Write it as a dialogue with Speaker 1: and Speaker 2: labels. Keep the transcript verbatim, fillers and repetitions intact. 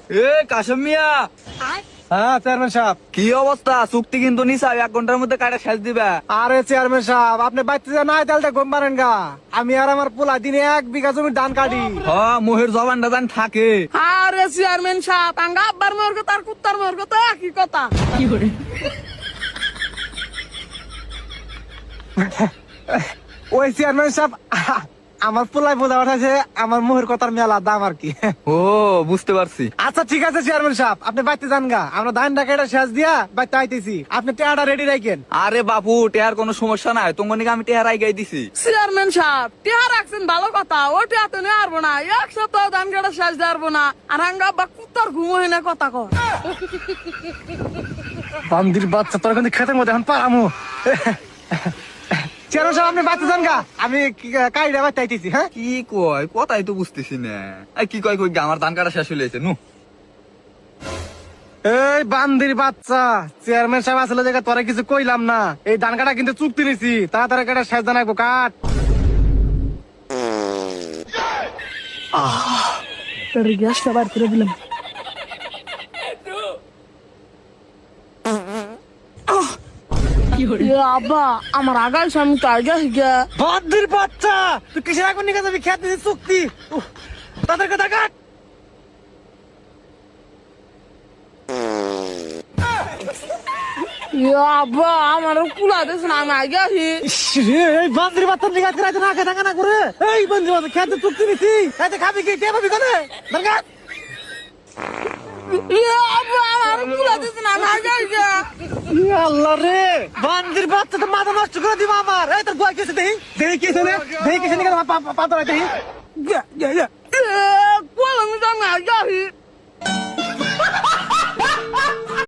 Speaker 1: এ কাশেম মিয়া,
Speaker 2: হ্যাঁ চেয়ারম্যান সাহেব।
Speaker 1: কি অবস্থা? চুক্তি কিন্তু নিছা, এক ঘন্টার মধ্যে কাটা শেষ দিবা।
Speaker 2: আরে চেয়ারম্যান সাহেব, আপনি বাচ্চা যা নাই তাহলে ঘুম পারেন গা। আমি আর আমার পোলা দিনে এক বিঘা জমি ধান কাটি।
Speaker 1: হ, মোহের জবানটা জান থাকে।
Speaker 3: আরে চেয়ারম্যান সাহেব, আঙ্গা আব্বার মোর কথা আর কুত্তার মোর কথা একই কথা। কি করে?
Speaker 2: ওই চেয়ারম্যান সাহেব, আমার পোলাই বোঝা ওঠাছে আমার মোহের কথার মেলা দাম আর কি।
Speaker 1: ও, বুঝতে পারছি।
Speaker 2: আচ্ছা ঠিক আছে চেয়ারম্যান সাহেব, আপনি বাইতে যান গা। আমরা ধান ডাকাটা শেষ দিয়া বাইতে আইতেছি, আপনি টেয়াটা রেডি রাখেন।
Speaker 1: আরে বাপু, টেহার কোনো সমস্যা নাই, তোমার নাকি আমি টেহার আই গাই দিছি।
Speaker 3: চেয়ারম্যান সাহেব, টিয়া রাখছেন ভালো কথা, ও টিয়া তো নিয়ে আসবো না, এক সপ্তাহ ধান কাটা শেষ দিয়ে আসবো না। আর আঙ্গা আব্বা কুত্তার ঘুম হয় না কথা কর।
Speaker 2: বান্দির বাচ্চা, তোর কিন্তু খেতের মধ্যে এখন পারামু। চেয়ারম্যান সাহেব, আপনি বাইতে যান গা, আমি কাইডা বাইতে আইতেছি। হ্যাঁ
Speaker 1: কি কয়? কথাই তো বুঝতেছি না। এই কি কয় কই, আমার ধান কাটা শেষ হয়ে গেছে নু।
Speaker 2: এই বান্দির বাচ্চা, চেয়ারম্যান সাহেব আসলে জায়গা তোরা কিছু কইলাম না। এই ধান কাটা কিন্তু চুক্তি নিছি, তাড়াতাড়ি কাটা শেষ জানাবো কাট।
Speaker 3: গ্যাসটা বার করে দিলাম। আব্বা, আমার আগাল স্বামী তো আগে গিয়া।
Speaker 2: বান্দির বাচ্চা, তুই কিসের আগুন নিয়ে যাবি? খেতে দিছি চুক্তি। উহ, তাড়াতাড়ি কাটা কাট।
Speaker 3: আব্বা, আমার কুলা দিস না, আমি আগে আসি।
Speaker 2: ইস রে, এই বান্দির বাচ্চা নিয়ে গেছে রাতে না খেতে না করে। এই বান্দির বাচ্চা, খেতে চুক্তি নিছি, খেতে খাবি কি? কে পাবি কোনে? দরকার
Speaker 3: আব্বা, আমার কুলা দিস না, আমি আগে আসি।
Speaker 2: আল্লাহ রে, বান্দির বাচ্চা তো মাথা নষ্ট করে দিব আমার। এই তোর বয় কেছে দেখি দেখি কেছে দেখি কেছে নিয়ে পাতা দেখি।